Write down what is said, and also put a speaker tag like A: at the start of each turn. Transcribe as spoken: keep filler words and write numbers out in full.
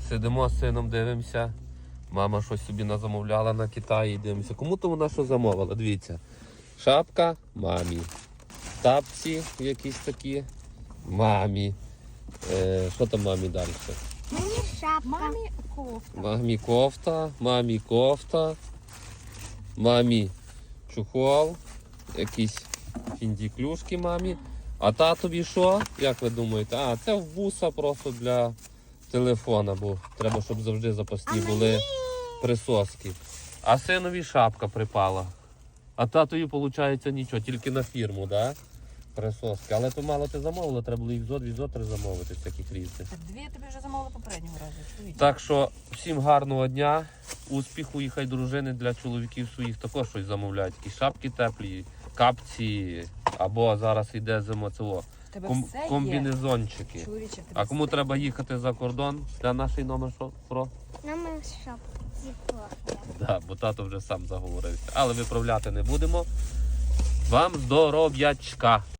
A: Сидимо з сином, дивимося. Мама щось собі назамовляла на Китаї, дивимося. Кому то вона що замовила? Дивіться. Шапка мамі. Тапці якісь такі мамі. Е, що там мамі далі?
B: Мені шапка. Мамі кофта.
A: Мамі кофта, мамі кофта, мамі чухол, якісь фіндіклюшки мамі. А татові що? Як ви думаєте? А, це вуса просто для телефона, бо треба, щоб завжди запасні були присоски. А синові шапка припала. А татові, виходить, нічого, тільки на фірму, да? Присоски. Але то мало ти замовила, треба було їх зо дві зо три замовити, таких різних.
C: Так дві я тобі вже замовила попереднього разу. Чоловік.
A: Так що всім гарного дня, успіху, і хай дружини для чоловіків своїх також щось замовляють. Такі шапки теплі, капці, або зараз йде зима цього.
C: Тебе
A: Ком-
C: все є.
A: комбінезончики.
C: Чоловіче, тебе
A: А кому
C: все
A: треба
C: є.
A: їхати за кордон, для нашої номер що? Про?
B: Номер шапки кофта.
A: Да, бо тато вже сам заговорився. Але виправляти не будемо. Вам здоров'ячка!